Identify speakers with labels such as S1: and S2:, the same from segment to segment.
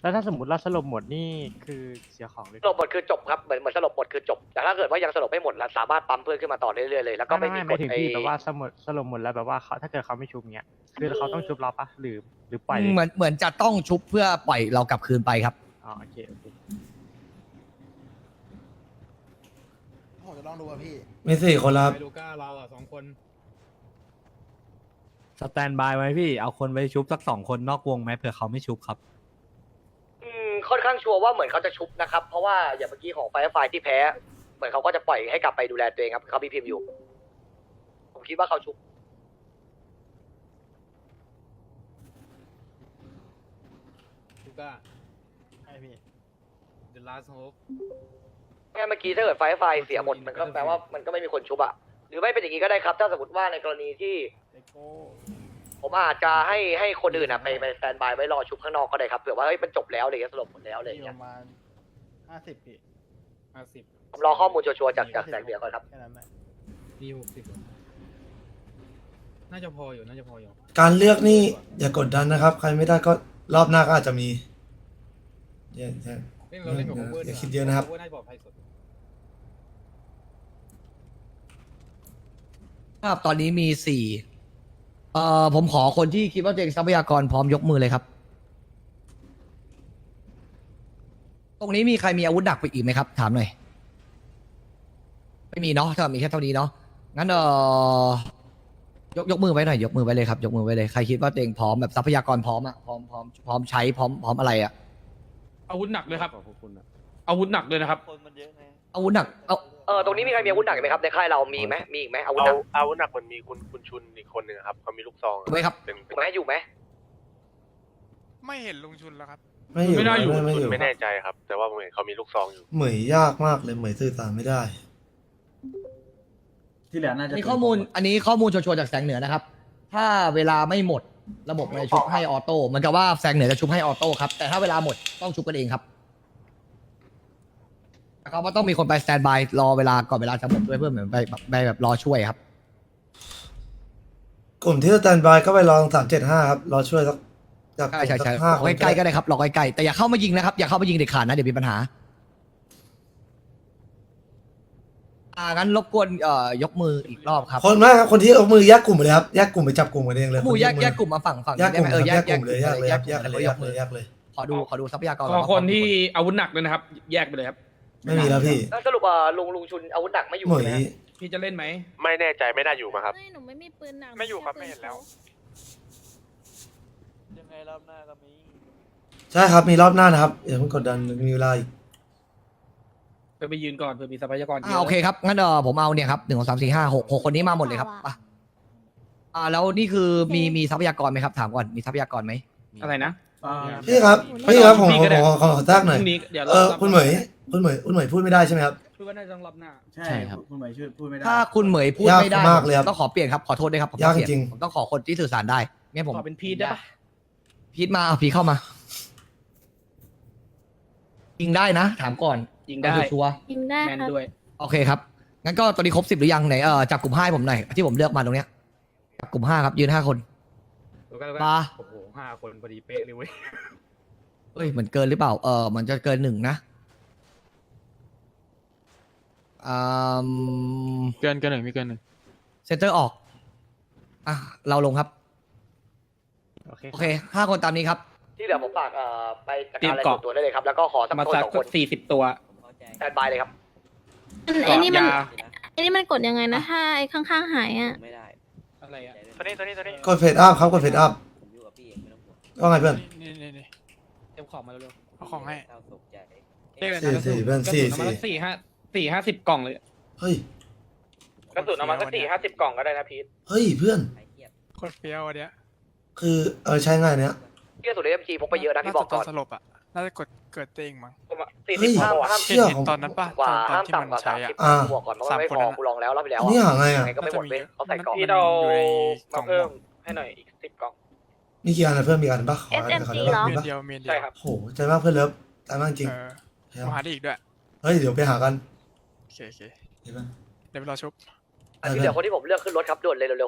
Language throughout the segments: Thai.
S1: แล้วถ้าสมมติเราสลบหมดนี่คือเสียของเลย
S2: สลบหมดคือจบครับเหมือนสลบหมดคือจบแต่ถ้าเกิดว่ายังสลบไม่หมดเราสามารถปั๊มเพื่อนขึ้นมาต่อเรื่อยๆเลยแล้วก็ไม่มี
S1: ไม่
S2: กฎ
S1: ถึง
S2: ไอ้
S1: ที่แบบว่าสลบหมดแล้วแบบว่าเขาถ้าเกิดเขาไม่ชุบเงี้ยคือเขาต้องชุบเราปะหรือปล่อย
S3: เหมือนจะต้องชุบเพื่อปล่อยเรากลับคืนไปครับ
S1: อ๋อโอเค
S4: ผมจะลองดูอ่ะพี่
S5: มี4 คนแล้วครับ
S6: ไปลูก้าเราอ่ะ2 คน
S7: สแตนบายไว้พี่เอาคนไปชุบสัก2 คนนอกวงไหมเผื่อเขาไม่ชุบครับ
S2: ค่อนข้างชัวร์ว่าเหมือนเขาจะชุบนะครับเพราะว่าอย่างเมื่อกี้ของไฟไฟที่แพ้เหมือนเขาก็จะปล่อยให้กลับไปดูแลตัวเองครับเขามีพิมพ์อยู่ผมคิดว่าเขาชุบ
S6: ลูก้า
S1: ใช่พี่
S6: The Last Hope
S2: แค่เมื่อกี้ถ้าเกิดไฟเสียหมดมันก็แปลว่ามันก็ไม่มีคนชุบอะหรือไม่เป็นอย่างนี้ก็ได้ครับถ้าสมมติว่าในกรณีที่ผมอาจจะให้คนอื่นอะไปสแตนบายไว้รอชุบข้างนอกก็ได้ครับเผื่อว่าเฮ้ยมันจบแล้วอะไรเงี้ยสลบหมดแล้วอะไร
S4: มี
S2: เงี้
S4: ป
S2: ย
S4: ระมาณ50พี่
S6: 50
S2: ผมรอข้อมูลชัวร์ๆจากแสงเดียวก่อนครับ
S4: แค่นั้นแหละ
S6: มี60น่าจะพออยู่น่าจะพออยู่
S5: การเลือกนี่อย่ากดดันนะครับ ใครไม่ได้ก็รอบหน้าก็อาจจะมีอย่า
S6: เราเล่นกับโอเวอร์
S5: อย่าคิดเยอะนะครับ
S6: โอเวอร์น่าจะปลอดภัยสุด
S3: ครับตอนนี้มีผมขอคนที่คิดว่าตัวเองทรัพยากรพร้อมยกมือเลยครับ ตรงนี้มีใครมีอาวุธหนักไปอีกไหมครับ ถามหน่อย ไม่มีเนาะถ้ามีแค่เท่านี้เนาะงั้นยกมือไว้หน่อยยกมือไว้เลยครับ ยกมือไว้เลยใครคิดว่าตัวเองพร้อมแบบทรัพยากรพร้อมอะพร้อมใช้พร้อมอะไรอะ
S8: อาวุธหนักเลยครับอาวุธหนักเลยนะครับ
S3: อาวุธหนักเอา
S2: ตรงนี้มีใครมีอาวุธหนักไหมครับในค่ายเรามีไหมมีอีกไหมอาวุธหนัก
S9: อาวุธหนักมันมีคุณชุนอีกคนหนึ่งครับเขามีลูกซอง
S3: ไว้ครับ
S9: เป็น
S2: อยู่ไหมอยู่ไหม
S8: ไม่เห็นลุงชุนแล้วครับ
S5: ไม่อยู่
S8: ไม่น่าอยู่
S5: ไม่อยู่
S9: ไม่แน่ใจครับ แต่ว่าผมเห็นเขามีลูกซองอยู่
S5: เหมยยากมากเลยเหมยสื่อสารไม่ได้
S10: ที่เหลือน่าจะ
S3: มีข้อมูลอันนี้ข้อมูลชัวร์ๆจากแสงเหนือนะครับ ถ้าเวลาไม่หมดระบบมันจะชุบให้ออโต้เหมือนกับว่าแสงเหนือจะชุบให้ออโต้ครับแต่ถ้าเวลาหมดต้องชุบกันเองครับเขาว่าต้องมีคนไปสแตนบายรอเวลาก่อนเวลาจะหมดด้วยเพื่อเหมือนไปแบบรอช่วยครับ
S5: กลุ่มที่สแตนบายก็ไปรอ375ครับรอช่วยสักจาก
S3: ใช่
S5: สัก
S3: ร
S5: ห้า
S3: อ
S5: คน
S3: ใกล้ๆก็ได้ครับรอใกล้ๆแต่อย่าเข้ามายิงนะครับอย่าเข้ามายิงเด็ดขาดนะเดี๋ยวมีปัญหางั้นรบกวนยกมืออีกรอบครับ
S5: คนมากครับคนที่เอามือแยกกลุ่มไปเลยครับแยกกลุ่มไปจับกลุ่มกันเองเลย
S3: หมู่แยก
S5: คน
S3: แย
S5: ที่
S3: กกลุ่มมาฝั่ง
S5: แยกกลุ่ม
S3: ได้ไห
S5: แยกกลุ่มเลยแยกเลยครับแยกเลย
S3: ย
S5: แย
S3: ก
S5: กเลยแยกเลย
S3: ขอดูทรัพยากร
S8: ขอคนที่อาวุธหนักเลยนะครับ แยกไปเลยครับ
S5: ไม่มีแล้วพี่
S2: แล้วสรุปลุงชุนอาวุธหนักไม่อยู่
S5: เหม
S2: ใช่
S5: ย
S2: ไหมฮะ
S8: พี่จะเล่นไหม
S9: ไม่แน่ใจไม่น่าอยู่มาครับ
S11: ไม่หนูไม่มีปืนหนัก
S8: ไม่อยู่ครับ
S11: แ
S8: ไม่เห็นแล้ว
S10: ยังไงรอบหน้าก็มี
S5: ใช่ครับมีรอบหน้านะครับอย่าเพิ่งกดดันมีเวลาอีก
S8: ไปยืนก่อนเพื่อมีทรัพยากรเยอะ
S3: โอเคครับงั้นผมเอาเนี่ยครับ1 2 3 4 5 6คนนี้มาหมดเลยครับไปแล้วนี่คือมีทรัพยากรไหมครับถามก่อนมีทรัพยากรไหม
S8: อะไรนะ
S5: พี่ครับพี่ครับผม
S8: พี่ก็ได้
S5: ขอแทรกหน่อย
S8: พรุ่งนี้เดี๋ยว
S5: คุณเหมยพูดไม่ได้ใช่ไหมครับ
S8: พูดว่าน่าจะต้องรอบหน้า
S10: ใช่ครับคุณหมายชื่อพูดไม่ได้
S3: ถ้าคุณเหมยพูดไม่ได้
S5: ยากมากเลยครับ
S3: ต้องขอเปลี่ยนครับขอโทษด้วยครับผม
S5: ยาก
S3: ต้องเปลี่
S5: จริง
S3: ผมต้องขอคนที่สื่อสารได้งั้นผม
S8: ขอเป็นพีทได้ปะ
S3: พีทมาเอาพีทเข้ามายิงได้นะ ถามก่อน
S8: ยิงได้
S3: เอาชัวร์
S11: ยิงได้
S8: แมน
S11: ครับ
S8: ด้วย
S3: ๆโอเคครับงั้นก็ตอนนี้ครบ10หรือยังไหนจับกลุ่ม5ให้ผมหน่อยที่ผมเลือกมาตรงเนี้ยจับกลุ่ม5ครับยืน5 คน
S8: แล้วก็
S3: มา
S8: โอ้โห5 คนพอดีเป๊ะเลยเว้ย
S3: เอ้ยมันเกินหรือเปล่ามันจะเกิน1นะอืม
S1: เกินหนึ่งมีเกินหนึ่ง
S3: เซนเตอร์ออกเราลงครับ
S1: โอเค
S3: โอเค5 คนตามนี้ครับ
S2: ที่เหลือผมฝากไปจัดการอะไรส่วนตัวได้เลยครับแล้วก็ขอสัก
S8: มา
S2: คน
S8: สัก
S2: 2 คน
S8: 40 ตัว
S2: สแตนบายเลยครับ
S11: ไอ้นี่มัน
S8: ยา
S11: ไอ้นี่มันกดยังไงนะถ้าไอ้ข้างๆหายอ่ะ
S10: ไม่ได้
S8: อะไรอ่ะ
S9: ตัวนี้
S5: กดเฟดอัพครับกดเฟดอัพ
S10: ผมอยู่กับพี่เองไม่ต้องห่วง
S5: ว่าไงเพื่อน
S8: นี่เต็มของมาเร็ว
S1: เอาของให้
S10: เศร้าโศกใจ
S8: ๆเรียกอะไร
S5: สี่
S8: นะ
S5: สี่เพื่อน
S8: กระ
S5: สี่
S8: สุนเอามา
S5: สี่
S8: สัก4-50 กล่องเลย
S5: เฮ้ย
S8: กระสุนเอามาสัก4-50 กล่องก็ได้นะพีท
S5: เฮ้ยเพื่อน
S10: ไอ้เหี้ย
S1: โคตรเฟี้ยวอันเนี้ย
S5: คือใช้ง่ายเนี้ย
S2: ที่กระสุนเอ็มจีพกไปเยอะนะพี่บอกก่อน
S1: สลบอ่ะน่าจะเกิดเองมั้ง
S5: เฮ้ย
S2: 40ห้าม
S5: เชื่อของ
S1: ตอนนั้นป่ะ
S2: กว่า
S1: ตอน
S2: ห้าม
S1: ที่มัน
S2: ต่ำกว่า
S1: ใช้อ่ะ
S2: 30บอกก่อนเพราะว่าไม่พอกูลองแล้วรอบที่แล้ว
S5: อันนี้หาไง
S2: ยั
S5: อ่ะ
S2: งไงก็ไม่หมดเว้ยเขาใส่กล่อง
S8: พี่เรา
S1: อยู่ในกล่
S8: มา
S1: อง
S8: เพิ่มให้หน่อยอีก10 กล่อง
S5: มีกี่อันนะเพื่อนมีอันปะขอขอได้ปะ
S1: เม
S5: มี
S1: น
S5: ปะ
S1: เดียวเมนเดียว
S8: ใช่ครับ
S5: โหใจมากเพื่อนเลิฟใจมากจริง
S1: มาหาได้อีกด้วย
S5: เฮ้ยเดี๋ยวไปหากัน
S1: โอเค
S5: เห็นไหม
S1: เดี๋ยวไปรอชุบ
S2: อันที่เหลือคนที่ผมเลือกขึ้นรถครับด่วนเลยเร็ว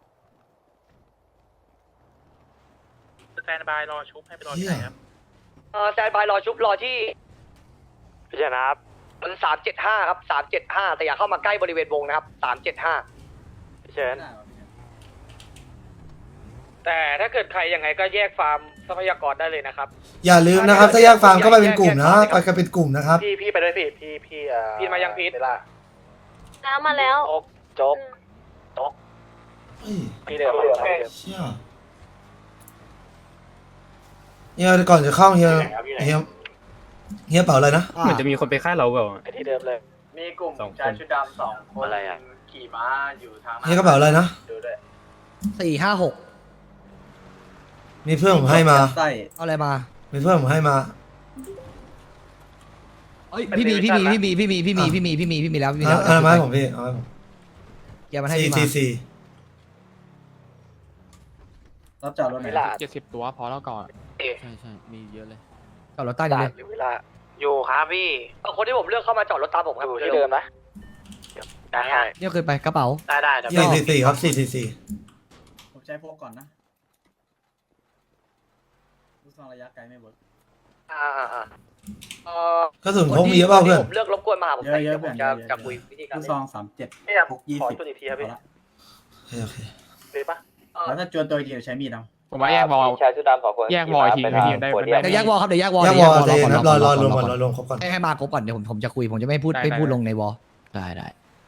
S9: สแตนบายรอชุบให้ไปรอ
S5: เฮี
S9: ที่
S5: ย
S9: ไหนครับ
S2: แซนบายรอชุบรอที่
S9: พี่ชนะครับ
S2: มัน375ครับ375แต่อย่าเข้ามาใกล้บริเวณวงนะครับ375
S9: พี่เชิญ
S2: แต่ถ้าเกิดใครยังไงก็แยกฟาร์มทรัพยากรได้เลยนะครับ
S5: อย่าลืมนะครับ ถ้าแยกฟาร์มก็ไปเป็นกลุ่มนะไปกันเป็นกลุ่มนะครับ
S9: พี่ไปด้วยพี่
S2: พีทมายังพีท
S11: แล้วมาแล้ว
S2: โจ๊ก
S5: เฮ้ย
S9: พี่เดิม
S5: เชี่ยเฮียก่อนจะเข้าเฮียเป่าอะไรนะ
S7: เหมือนจะมีคนไปฆ่าเราเปล่า
S9: ไปที่เดิมเลย
S10: มีกลุ่ม
S7: สองคน
S10: ชายชุดดำ2 คน
S9: อะไรอะ
S10: ขี่ม้าอยู่ทาง
S5: เฮียกระเป๋าอะไรนะ
S10: ดูด้วย
S3: 456
S5: มีเพื่อนผมให้มา
S10: ไส้
S3: เอาอะไรมา
S5: มีเพื่อนผมให้มา
S3: เอ้ยพี่มีแล้ว
S5: เอามาให้ผมพี่เอาให้ผม
S3: เกียร์มันให้พี่มา
S5: 444
S10: รับจอดรถไหน
S8: 70 ตัวพอแล้วก่อน
S10: ใช่มีเยอะเลย
S3: จอดรถใต้นี่เลย
S2: อยู่เวลา
S9: อยู่ครับพี่
S2: คนที่ผมเลือกเข้ามาจอดรถตามผมครับ
S9: อยู่ที่เดิมนะได้
S3: เนี่ยเคยไปกระเป๋า
S9: ได้เดี๋ยว
S5: 444ครับ444
S10: ผมใช้พวกก่อนนะลูกซองระยะไกลไม่เวิร์ก
S5: กระสุนพกมีเยอะเปล่าเพื่อน
S2: ผมเลือกรบกวนมาหาผมหน่อย
S10: เยอะๆ
S2: เดี๋ยวผมจะคุยวิธีการ
S10: ลูก
S2: เล่
S10: ซ
S2: น
S10: อง37
S9: พี่ครับ
S10: พก
S9: ขอ
S10: 20
S9: จุดอีกทีครับพี่
S5: โอเค
S9: เลยปะ
S10: แล้วถ้าจวนตัวเดียวใช้มีดเอา
S8: ผมว่าแยกวอล
S9: ชายชุดดำ2 คน
S8: แยกวอลอีกทีไม่ดีได้
S3: เดี๋ยวแยกวอลครับเดี๋ยวแยกวอล
S5: แยกวอลใจเย็นครับรอ
S3: ก่อน
S5: รวมก่อนรวมครบก่อน
S3: ให้มาครบก่อนเดี๋ยวผมจะคุยผมจะไม่พูด
S8: ได้
S3: ไม่พูด
S8: ได้
S3: ลงในวอล
S10: ได้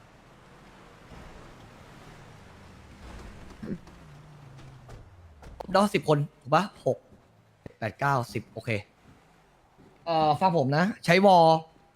S3: เนาะ10 คนถูกปะ6 8 9 10โอเคฟังผมนะ ใช้วอล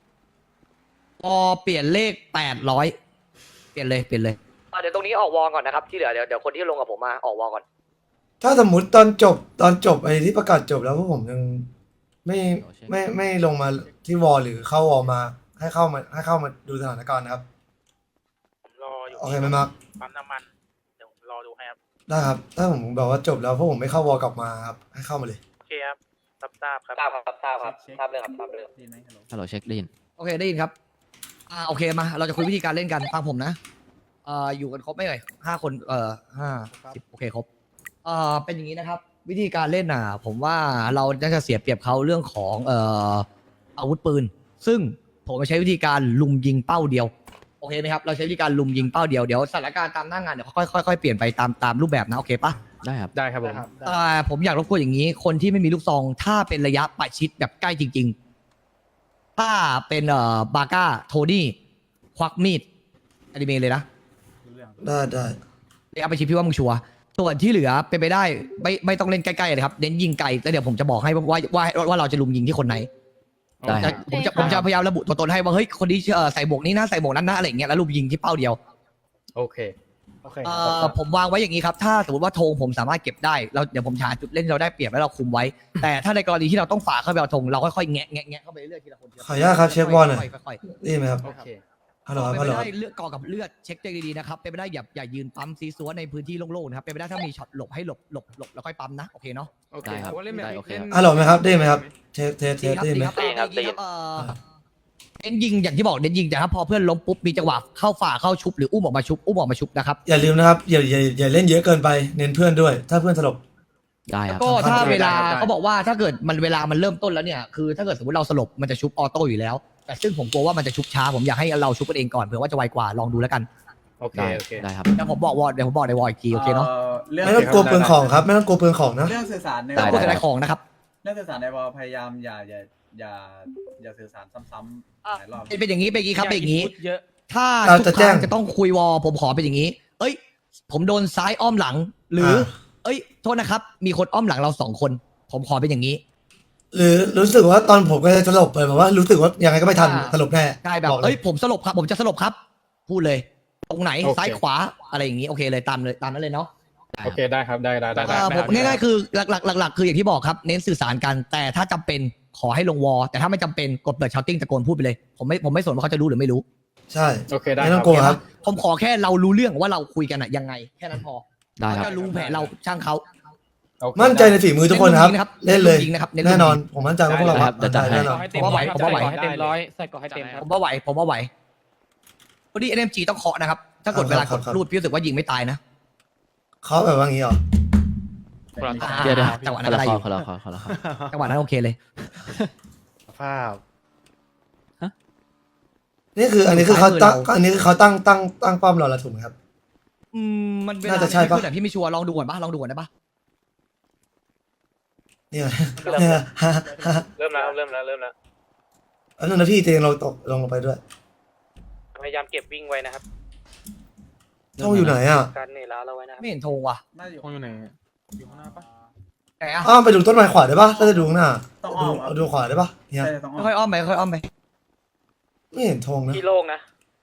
S3: เปลี่ยนเลข800เปลี่ยนเลย
S2: เดี๋ยวตรงนี้ออกวอลก่อนนะครับที่เหลือเดี๋ยวคนที่ลงกับผมมาออกวอลก่อน
S5: ถ้าสมมติตอนจบไอ้ที่ประกาศจบแล้วพวกผมยังไม่ลงมาที่วอลหรือเข้าวอลมาให้เข้ามาดูสถานการณ์นะครับ
S9: ผมรออยู่
S5: โอเคไหมมาร์ค
S9: ปั๊มน้ำมันเดี๋ยวผมรอดูให้ครับ
S5: ได้ครับ ถ้าผมแบบว่าจบแล้วพวกผมไม่เข้าวอลกลับมาครับให้เข้ามาเลย
S9: โอเคครับทราบครับ
S2: ทราบครับทราบเลยครับทราบเลย
S10: ได้ไหมฮัลโหล
S6: ฮัลโหลเช็คได้ยิน
S3: โอเคได้ยินครับโอเคมาเราจะคุยวิธีการเล่นกันฟังผมนะอยู่กันครบไหมเอ่ย5 คน5 10โอเคครบเป็นอย่างนี้นะครับ วิธีการเล่นผมว่าเราน่าจะเสียเปรียบเขาเรื่องของอาวุธปืน ซึ่งผมจะใช้วิธีการลุมยิงเป้าเดียวโอเคไหมครับเราใช้วิธีการลุมยิงเป้าเดียวเดี๋ยวสถานการณ์ตามหน้างานเดี๋ยวค่อยเปลี่ยนไปตามรูปแบบนะโอเคปะ
S6: ได้ครับ
S8: ได้ครับผม
S3: ผมอยากรบกวนอย่างนี้ คนที่ไม่มีลูกซองถ้าเป็นระยะประชิดแบบใกล้จริง ๆ ถ้าเป็นบาก้าโทนี่ควักมีดอนิเมะเลยนะ
S10: รู้เรื่อง
S5: ได้
S3: ระยะประชิดพี่ว่ามึงชัวร์ส่วนที่เหลือเป็นไปได้ไม่ต้องเล่นใกล้ๆเลยครับเน้นยิงไกลแล้วเดี๋ยวผมจะบอกให้ว่าเราจะลุมยิงที่คนไหน
S6: ได้ครับ
S3: ผมจะพยายามระบุตัวตนให้ว่าเฮ้ยคนนี้ใส่หมวกนี้นะใส่หมวกนั้นนะอะไรอย่างเงี้ยแล้วลุมยิงที่เป้าเดียว
S7: โอเค
S3: ผมวางไว้อย่างนี้ครับถ้าสมมติว่าธงผมสามารถเก็บได้เดี๋ยวผมหาจุดเล่นที่เราได้เปรียบแล้วเราคุมไว้ แต่ถ้าในกรณีที่เราต้องฝ่าเข้าไปเอาธงเราค่อยๆแงะเข้าไปเรื่อยๆทีละคน
S5: ขออนุญาตครับเช็ควอลหน่อย
S3: ค่อยๆ
S5: ได้ยินไหมครับ
S8: โอเค
S5: ฮัลโหลครับ
S3: เป็น
S5: ฮัล
S3: ไป
S5: โหล
S3: ได้เลือกกอกับเลือดเช็คตัวเองดีๆนะครับเป็นไปได้อย่ายืนปั๊มซีซัวในพื้นที่โล่งๆนะครับเป็นไปได้ถ้ามีช็อตหลบให้หลบแล้วค่อยปั๊มนะโอเคเนาะ
S8: โอเค
S6: ได้ครับ
S8: เพาะว่าเล่นแบบ
S6: ได้โอเคครับ
S5: ฮัลโหลไหมครับได้ยินไหมครับเทสได้ยินไหม
S3: เน้นยิงอย่างที่บอกเน้นยิงแต่ถ้าพอเพื่อนล้มปุ๊บมีจังหวะเข้าฝ่าเข้าชุบหรืออุ้มออกมาชุบนะครับ
S5: อย่าลืมนะครับอย่าเล่นเยอะเกินไปเน้นเพื่อนด้วย ถ้าเพื่อนสลบ
S6: ได้ครับ
S3: ก็ถ้าเวลาเขาบอกว่าถ้าเกิดเวลามันเริ่มต้นแล้วเนี่ยคือถ้าเกิดสมมติเราสลบมันจะชุบออโต้อยู่แล้ว แต่ซึ่งผมกลัวว่ามันจะชุบช้าผมอยากให้เราชุบกันเองก่อนเผื่อว่าจะไวกว่าลองดูแล้วกัน
S7: โอเค
S6: ได้ครับ
S3: เดี๋ยวผมบอกในวอลอีกทีโอเคเนาะ
S5: ไม่ต้องกลัวเปลืองของครับไม่ต้องกลัวเปลืองของนะ
S10: เรื่องสื่อสารใน
S3: แต่
S10: วอ
S3: พูด
S10: ล
S3: ถึงในของนะครับ
S10: เรื่องสื่อสารในวอลพยายามอย่าสื่อสารซ้ำๆหลายรอบ
S3: เป็นอย่างนี้ครับเป็นอย่างนี้
S8: เยอะ
S3: ถ้า
S5: เรา
S3: ทุ
S5: จะ
S3: กค
S5: แจ้
S3: รั้
S5: ง
S3: งจะต้องคุยวอลผมขอเป็นอย่างนี้ เอ้ย ผมโดนซ้ายอ้อมหลัง หรือโทษนะครับ มีคนอ้อมหลังเรา2 คน ผมขอเป็นอย่างนี้
S5: หรือรู้สึกว่าตอนผมก็จะสลบไปแบบว่ารู้สึกว่ายังไงก็ไม่ทันสลบแน่
S3: ได้แบบ
S5: อกล
S3: เอ้ยผมสลบครับผมจะสลบครับ พูดเลย ตรงไหน
S7: โอเค
S3: ซ้ายขวาอะไรอย่างนี้โอเคเลยตามนั้นเลยเนาะ
S7: โอเคได้ครับได้
S3: ผมง่ายๆคือหลักๆคืออย่างที่บอกครับเน้นสื่อสารกัน แต่ถ้าจำเป็นขอให้ลงวอลแต่ถ้าไม่จำเป็นกดเปิดชาวติ้งตะโกนพูดไปเลยผมไม่สนว่าเขาจะรู้หรือไม่รู้
S5: ใช่
S7: โอเคได้
S5: ไม่
S7: ค
S5: ต้
S7: รั
S5: อบ งกลัวครับ
S3: ผมขอแค่เรารู้เรื่องว่าเราคุยกันอะยังไงแค่นั้นพอ
S6: ได้ครับ
S3: เขาจะรู้แผนเราช่างเขา
S7: โอเค
S5: มั่นใจในฝีมือทุกคนครับ
S3: เน้นลูกยิงนะครับ
S5: เล่นเลย
S3: เน้นลูกยิงนะครับ
S5: แน่นอนผมมั่นใจว่าพวกเรา
S6: ได้ครับ
S5: มั่นใจ
S6: ได้
S5: แน่นอน
S8: ให้เต็มร้อยครับ
S3: ผมว่าไหว
S8: ให้เต็มร้อยใส่ก่อให้เต็มครับ
S3: ผมว่าไหววันนี้ NMG ต้องเคาะนะครับ ถ้ากดเวลากดรูดพี่รู้สึกว่ายิงไม่ตายนะ
S5: เขาแบบว่างี้เหรอ
S6: เดี๋ยว
S3: จังหวะ
S6: ค
S3: นั้น
S6: น
S3: ก็
S6: ละ
S3: ได้
S6: ค
S3: อ
S6: อยู่ คนละคอคนละคอ
S3: จังหวะนั้นโอเคเลย
S4: ภาพ
S5: นี่คืออันนี้คือเขาตั้งอันนี้คือเขาตั้งป้อมเราแล้วถูกไหมครับ
S3: มันเวลา
S5: น่าจะใช่ปะ
S3: ขึ้นแต่พี่ไม่ชัวร์ลองดูก่อนปะลองดูก่อนได้ปะ
S5: เนี่ยเนี่ย
S9: เริ่มแล้วเริ่มแล้ว
S5: อันนั้นนะพี่เตียงเราตกลงไปด้วย
S9: พยายามเก็บวิ่งไว้นะครับ
S5: ท่องอยู่ไหนอ่ะ
S9: การเหนื่อยล้าเราไว้นะครับ
S3: ไม่เห็นธงว่ะ
S10: น่าจะอยู่
S8: คงอยู่ไหนอยู่ข้างหน้าปะ
S3: ไหนอะ
S5: อ้าวไปดูต้นไม้ขวาได้ปะถ้าจะดูข้างหน้า
S10: ต้องอ้อมครับ
S5: เอาดูขวาได้ปะเนี่ย
S10: ใช่ต้องอ้อม
S3: ค่อยๆอ้อมไปค่อยๆอ้อมไป
S5: ไม่เห็นธงนะ
S9: พี่โล่งนะ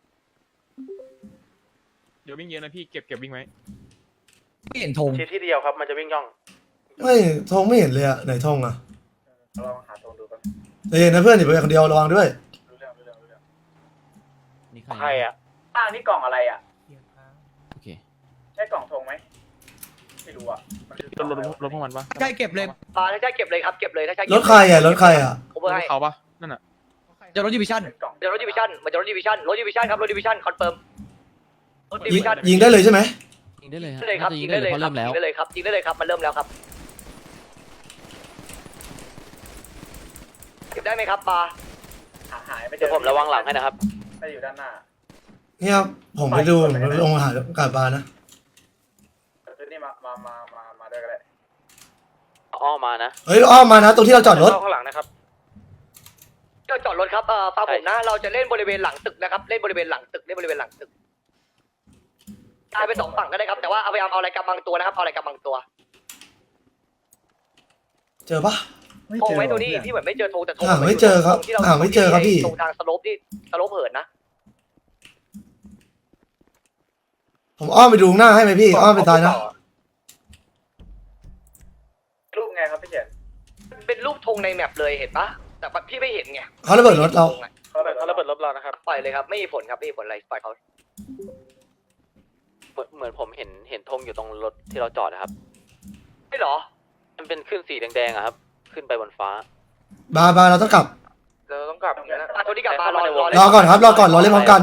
S8: เดี๋ยววิ่งเยอะนะพี่เก็บวิ่งไว้
S3: ไม่เห็นธง
S9: ที่เดียวครับมันจะวิ่งย่อง
S5: ไม่ธงไม่เห็นเลยอะไหนธงอ่ะ
S10: ลองหาตรงดูกัน
S5: ใจเย็นนะเพื่อนอย่าไปคนเดียวระวังด้วย
S10: รู้เรื่อง
S6: นี่
S9: ใครอ่ะ
S10: นี่กล่องอะไรอ่ะ
S6: โอเค
S10: ใช่กล่องธงไหมไม่รู้อ่ะมันคือกล่องอะไรวะ
S8: รถพวกมันปะ
S3: ใช่เก็บเลย
S2: ปลาถ้าใช่เก็บเลยครับเก็บเลยถ้าใช่
S5: รถใครอ่ะรถใครอ่ะ
S2: ผมเบอร์ให้
S8: เขาปะนั่นอ่ะ
S3: จะรถดิวิชั่น
S10: กล่อง
S2: เดี๋ยวรถดิวิชั่นมันจะรถดิวิชั่นครับรถดิวิชั่นคอนเฟิร์มรถดิ
S5: ยิ
S2: วิ
S5: ง
S2: ชั่น
S5: ยิงได้เลยใช่ไหม
S6: ยิงได้เลยฮะ
S2: ได้เลยครับ
S6: น่าจะ
S2: ยิ
S6: ยิ
S2: ง
S6: ง
S2: ได้
S6: ได้
S2: เล
S6: เลย ยเพราะ
S2: ครับ
S6: เริ่มแล้ว
S2: ยิงได้เลยครับยิงได้เลยครับมันเริ่มแล้วครับเก็บได้ไหมครับปลา
S10: หายไม่เจอ
S9: เดี๋ยวผมระวังหลังให้นะครับ
S10: ไม่อยู่ด้านหน้า
S5: เนี่ยผมไปดูผมลงหาอากาศบาลนะ
S10: เดี๋ยวนี่มาด้วยกันเลย
S9: อ้อมานะ
S5: เฮ้ยอ้อมมานะตรงที่เราจอดรถ
S9: ข้างหลังนะครับ
S2: ก็จอดรถครับฟังผมนะเราจะเล่นบริเวณหลังตึกนะครับเล่นบริเวณหลังตึกตายไปสองฝั่งก็ได้ครับแต่ว่าเอาพยายามเอาอะไรกำบังตัวนะครับเอาอะไรกำบังตัว
S5: เจอปะ
S2: โทงไว้ตัวนี้พี่เหมือนไม่เจอโทงแต่โทง
S5: หาไม่เจอครับ
S2: ที่เรา
S5: หาไม่เจอครับพี่
S2: ตรงทางสโลปที่สโลปเหินนะ
S5: ผมอ้อมไปดูข้างหน้าให้ไหมพี่อ้อมไปซ้ายนะ
S10: รูปไงครับพี่เจน
S2: เป็นรูปธงในแมปเลยเห็นปะแต่พี่ไม่เห็นไง
S5: เขาระเบิดรถเรา
S9: เขาระเบิดรถเรานะครับ
S2: ปล่อยเลยครับไม่มีผลครับไม่มีผลอะไรปล่อยเขา
S9: เหมือนผมเห็นธงอยู่ตรงรถที่เราจอดนะครับ
S2: ไม่หรอ
S9: มันเป็นขึ้นสีแดงๆอะครับ ขึ้นไปบนฟ้า
S5: บาเราต้องกลับ
S9: เราต้องกลับนะ
S2: ตัวนี้กลับมารอ
S5: รอก่อนครับรอก่อนรอเล่นพร้อมกัน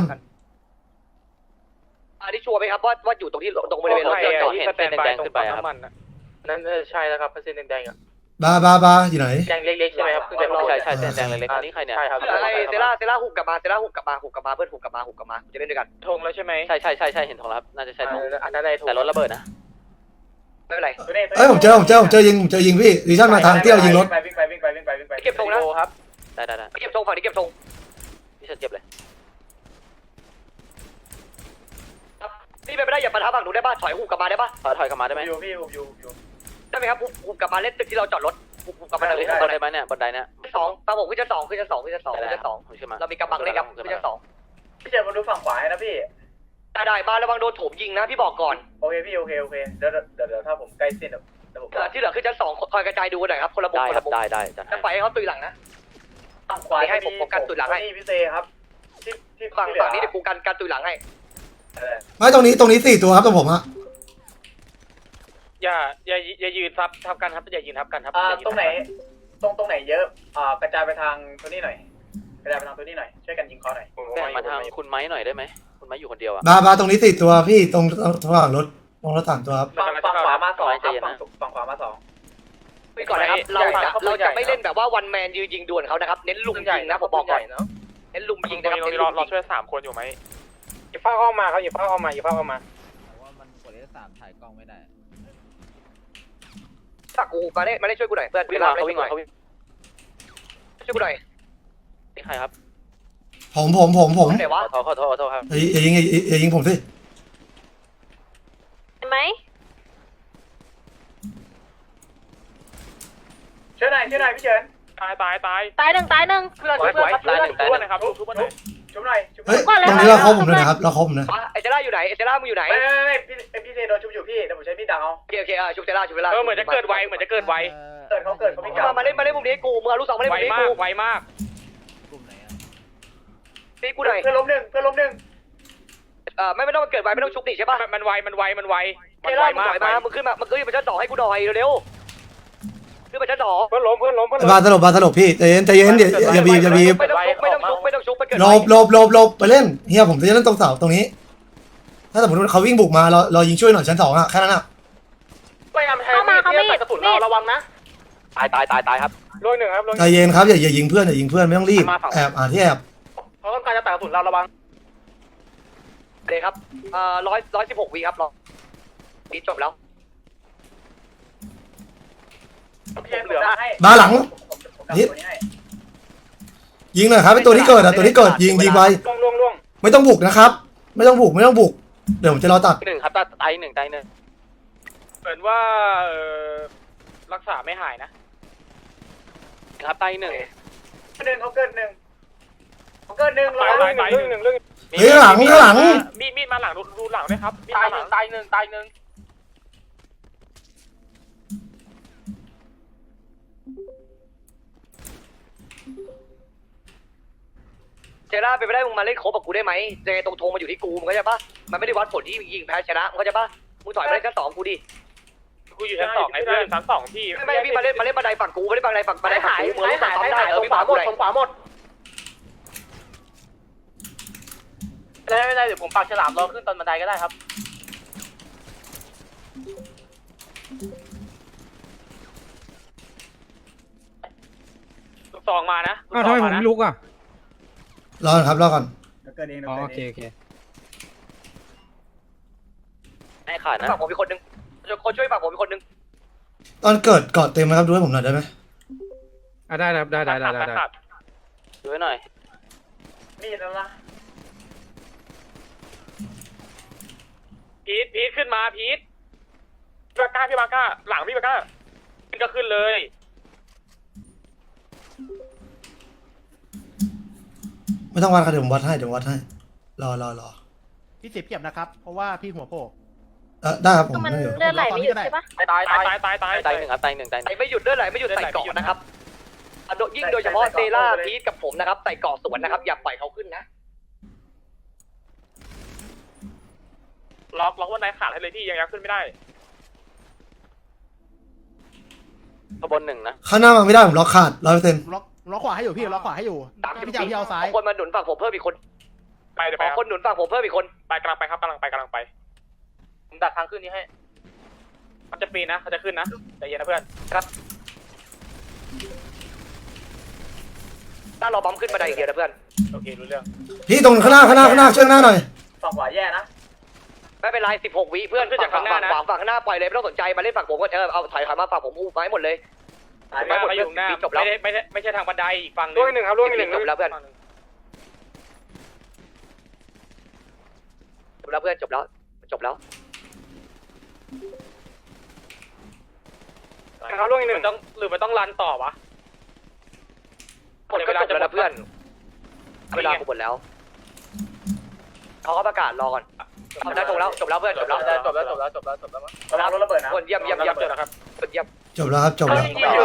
S2: อันนี้ชัวร์ไหมครับว่าอยู่ตรงที่ตรงบริเวณรถที่เราจอด
S9: ที่สแตนบายขึ้นไปครับนั่นใช่แล้วครับเส้นแดงๆอ่ะ
S5: บาอยู่ไหน
S9: แดงเล็กๆใช่ไหมครับใช่แดงเล็กๆอันนี้ใครเนี่ยใช่ครับ
S2: ไอเซล่าหุบกลับมาเพื่อนหุบกลับมาจะเล่นด้วยกัน
S9: ธงแล้วใช่ไหมใช่เห็นธงแล้วครับน่าจะใช่ธงอันนั้นได้ธงแต่รถระเบิดนะ
S2: ไม่เป็นไร
S5: เอ้ยผมเจอยิงพี่ดิชั่นมาทางที่เรายิงรถ
S10: วิ่งไป
S2: เก็บธงนะ
S9: ครับได้
S2: เก็บธงฝั่งนี้เก็บธง
S9: พี่ฉันเก็บเลย
S2: นี่เป็นไปได้อย่าปะทะฝั่งหนูได้ป่ะถอยหุบกลับมาได้ป่ะ
S9: ถอยกลับมาได้ไหม
S10: อยู่
S2: ได้ไหมครับหุบกลับมาเล่นตึกที่เราจอดรถหุบกลับมาเลย
S9: บันไดไหมเนี่ยบันไดเนี่ย
S2: สองตามผมขึ้นชั้นสอง
S9: ผมขึ้นมา
S2: เรามีกำบังเล่นครับขึ้นชั้นสอง
S10: พี่เจนมาดูฝั่งขวาให้นะพี่
S2: ได้มาระวังโดนโถมยิงนะพี่บอกก่อน
S10: โอเคพี่โอเคเดี๋ยวถ้าผมใกล้เส้นเดี๋ยวผม
S2: ที่เหลือขึ้นชั้นสองคอยกระจายดูหน่อยครับคนละมุม
S9: ได้
S2: คน
S9: ครั
S2: ละ
S9: บ
S2: มุม
S9: ได้จัด
S2: จะไปให้เขาตุยหลังนะ
S10: ฝั่งขวา
S2: ให้ผมโฟกัสตุยหลังให้
S10: นี่พี่เซครับที่
S2: ฝั่งนี้เดี๋ยวกูกันตุยหลังให้
S5: ไม่ตรงนี้4ตัวครับตรงผมอะ
S9: อย่ายืนทับกันครับอย่ายืนทับกันครับ
S10: ตรงไหนเยอะกระจายไปทางตัวนี้หน่อยช่วยกันยิงคอหน่อย
S9: แบ่งมาทางคุณไม้หน่อยได้ไหมคุณไม้อยู่คนเดียวอ่ะ
S5: บาตรงนี้4ตัวพี่ตรงระหว่างรถ3ตัวครับ
S10: ฝั่งขวามา2ครับฝั่งขวามา2
S2: ไปก่อนนะครับเราจะไม่เล่นแบบว่าวันแมนยืนยิงดวลเขานะครับเน้นลุมยิงนะผมบอกก่อนเน้นลุมยิงนะครับเน้นลุมยิง
S9: ช่วย3คนอยู่ไหมอย่าเฝ้าเข้ามาครับอย่าเฝ้าเข้ามา
S6: ว่ามันกดF3ถ่ายกล้องไม่ได้
S2: สักกูมาได้ช่วยกูหน่อยเพื่อน
S9: วิ่งมาเขาวิ่งมาเขาวิ่ง
S2: ช่วยกูหน่อย
S9: นี่ใครครับ
S5: ผม
S2: ไหนวะ
S9: ขอโทษครับ
S5: อย่ายิงผมสิ
S11: เห็นไหม
S10: ช่วยหน่อยพี่เฉิน
S9: ตาย
S11: ตายหนึ่ง
S2: เพื่อนช่วยเพื่อนครับเพื่อน
S9: ชุบนะครับชุบหน่อย
S10: ชุบหน่อย
S5: เฮ้ยตรงนี้เราครบผมเลยนะครับเราครบผมนะ
S2: เอเจล่าอยู่ไหนเอเจล่ามึงอยู่ไหน
S10: ไม่พี่เซโดนชุบอยู่พี่เดี๋ยวผมใช้พี่ดังเอา
S2: โอเคชุบเจล่า
S9: เหมือนจะเกิดไว
S10: เขาเกิดเขาไม่กลับ
S2: มาเล่นมุมนี้กูมึงเอาลูกสองมาเล่นมุมนี้กู
S9: ไวมาก
S6: กลุ่มไหนอะ
S2: นี่กูหน่อย
S10: เพื่อนล้มหนึ่ง
S2: ไม่ต้องมาเกิดไวไม่ต้องชุบดิใช่ป่ะ
S9: มันไว
S2: เจล่ามึงถอยมามึงขึ้นมาชั้นสองให้กูหน่อยเร็วขึ้นมาชั้นสอง
S9: เพื่อนล้ม
S5: บาสลบพี่ใจเย็นอย่าบีบ
S2: ไม่ต้องชุบไปเกิด
S5: หลบไปเล่นเฮียผมจะเล่นตรงเสาตรงนี้ ถ้าสมมติว่าเขาวิ่งบุกมาเรายิงช่วยหน่อยชั้น2อะแค่นั้นอะ
S11: เข้ามาเขาไม่เห็น
S10: กระสุนเราระวังนะ
S9: ตายครับ
S10: ล่วงหนึ่งครับล่วง
S5: ใจเย็นครับอย่ายิงเพื่อนอย่ายิงเพื่อนไม่ต้องรีบ
S9: มาฝั่ง
S5: แอบที่แอบ
S10: เขาต้องการจะแตกกระสุนเราระวัง
S2: เลยครับ116 วิครับรอปีจบแล้ว
S10: เหลือให้
S5: มาหลังนิดยิงหน่อยครับไอตัวที่เกิดอะตัวที่เกิดยิงไป
S10: ล่วง
S5: ไม่ต้องบุกนะครับ ไม่ต้องบุกเดี๋ยวผมจะรอตัด
S9: หนึ่งครับตายหนึ่ง
S10: เหมือนว่ารักษาไม่หายนะครับ
S9: ตายหนึ่ง
S10: เขาเกินหนึ่งตายเรื่อง
S5: เฮ้ยข้างหลัง
S10: มีดมาหลังดูหลังด้วยครับตายหนึ่ง
S2: เจล่าเป็นไปได้มึงมาเล่นโคบกับกูได้ไหมเจตรงธงมาอยู่ที่กูมึงเข้าใจปะมันไม่ได้วัดผลที่ยิงแพ้ชนะมึงเข้าใจปะมึงถอยมาเล่นชั้น 2กูดิ
S10: กูอยู่ชั้น 2ไงเพื่อนชั้น 2พี่
S2: ไม่พี่มาเล่นบันไดฝั่งกูมาเล่นบันไดฝั่งกูมึงรู้ฝั่งซ้อมได้
S10: ผมขวาหมดไม่ได้เดี๋ยวผมปากฉลามรอขึ้นตอนบันไดก็ได้ครับลูกซองมานะ
S8: อ้าวทำไมผมไม่ลุกอ่ะ
S5: รอก่อนครับรอก่อน
S8: อ๋อโอเค
S9: ไม่ขาดนะ
S2: ฝั่งผมมีคนนึงคนช่วยฝั่งผมมีคนนึง
S5: ตอนเกิดเกาะเต็มไหมครับดูให้ผมหน่อยได้ไหม
S8: อ่ะได้ครับได้
S9: ดูให้หน่อย
S10: มีดแล้วล่ะพีทขึ้นมาพีทพี่บาก้าหลังพี่บาก้าขึ้นก็ขึ้นเลย
S5: ไม่ต้องวัดครับเดี๋ยวผมวัดให้รอ
S4: พี่เสียเปรียบนะครับ เพราะว่าพี่หัวโผล่
S5: ได้ครับผม
S11: มัน
S5: ไม่อยู่
S11: เลือดไหลไม่หยุดใช่ปะ
S10: ตาย
S9: ตายหนึ่งครับตายหนึ่ง
S2: ไอ้ไม่หยุดเลือดไหลไม่หยุดใส่เกาะนะครับยิ่งโดยเฉพาะเซล่าพีทกับผมนะครับใส่เกาะสวนนะครับอย่าปล่อยเขาขึ้นนะ
S10: ล็อกว่านายขาดให้เลยพี่ยังขึ้นไม่ได้
S9: ขบวนหนึ่งนะ
S5: ข้างหน้ามาไม่ได้ผมล็อกขาด100%
S4: ล็อกขวาให้อยู่พี่ล็อกขวาให้อยู่พี่จะเอาพี่เอาซ้าย
S2: คนมาหนุนฝั่งผมเพิ่มอีกคน
S10: ไปเดี๋ยว
S2: ข
S10: ไป
S2: อคนหนุนฝั่งผมเพิ่มอีกคน
S10: ไปกำลังไปครับกำลังไปผมดักทางขึ้นนี้ให้เขาจะปีนนะเขาจะขึ้นนะใจเย็นนะเพื่อน
S2: ถ้าเราบอมขึ้นบันไดอีกเดียวนะเพื่อน
S10: โอเครู้เรื่อง
S5: พี่ตรงข้างหน้าช่วยหน้าหน่อย
S10: ฝั่งขวาแย่นะ
S2: ไม่เป็นไร16 วิเพื่อนฝั่งข้างหน้าปล่อยเลยไม่ต้องสนใจมาเล่นฝั่งผมก็เอาถอยมาฝั่งผมอู้ไม้หมดเลย
S10: ไปหมดอยู่หน้า
S2: จบแล้ว
S10: ไม่ใช่ทางบันไดอีกฝั่งล่วงหนึ่งครับล่วงหนึ่ง
S2: จบแล้วเพื่อนจบแล้ว
S10: เขาล่วงหนึ่งต้องหรือมันต้องรันต่อวะ
S2: หมดก็จบแล้วนะเพื่อนเวลากูหมดแล้วเขาก็ประกาศรอก่อนได้จบแล้วเพื่อนจบแล้ว
S10: จบแล้วเวลารถระเบิดนะ
S2: คนเยี่ยมนะครับคนเยี่ยม
S5: จบแล้วครับจบแล้ว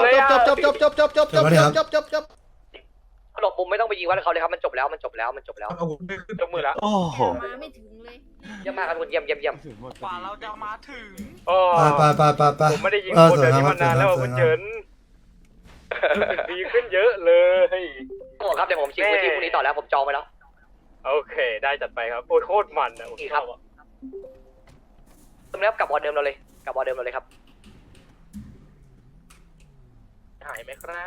S4: จบ
S2: หลบมุมไม่ต้องไปยิงวัดเขาเลยครับมันจบแล้ว
S10: ยกมือแล้ว
S7: โอ้โห
S11: มาไม่ถึงเลย
S2: เยี่ยมมากครับคุณเยี่ยม
S10: กว่าเราจะมาถึง
S5: ไป
S10: ผมไม่ได้ยิงโคตรเดี๋ยวนี้มานานแล้วคุณเฉินดีขึ้นเยอะเลย
S2: โอ้ครับเดี๋ยวผมชิงพื้นที่พรุ่งนี้ต่อแล้วผมจองไปแล้ว
S10: โอเคได้จัดไปครับโคตรมันนะ
S2: นี่ครับตรงนี้กลับบอลเดิมเราเลยครับ
S10: หายไหมครับ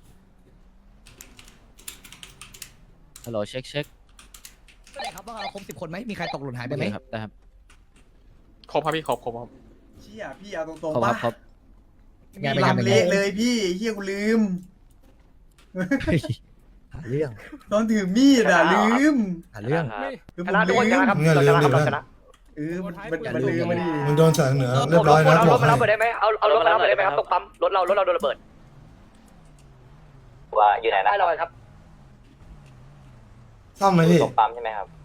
S6: ฮัลโหลเช็ค
S3: ครับว่าครบ10 คนไหมมีใครตกหล่นหายไปไหม
S6: ครับได้ครับ
S8: ครบครับพี่ครบ
S4: เชี่ยพี่เอาตรง
S6: ครบ
S4: ๆ
S6: ค
S4: ป่ะ
S6: รับครบ
S3: ไงไป
S4: ลำเละเลยพี่เฮียกูลืม
S3: หาเรื่อง
S4: ตอนถือมีดอ่ะลืม
S3: หาเรื่อง
S4: คือ
S2: ช
S4: ผม
S2: นะทุกคน
S4: ลื
S2: ช
S4: ม
S2: นะครับเราชนะครับเราชนะ
S4: มันลืมมาดิ
S5: มึงโดนแสงเหนือเรียบร้อยนะ
S2: เอา
S5: บ
S2: ร
S5: อ
S2: ถ
S5: ก
S2: มา
S5: ให้
S2: รับไปได้ไหมเอารถมารับไปได้ไหมครับตกปั๊มรถเราโดนระเบิด
S9: ว่าอยู่ไหนนะ
S2: ได้เราครับ
S5: ซ่อมไหมพี่
S9: ตกปั๊มใช่ไหมครับ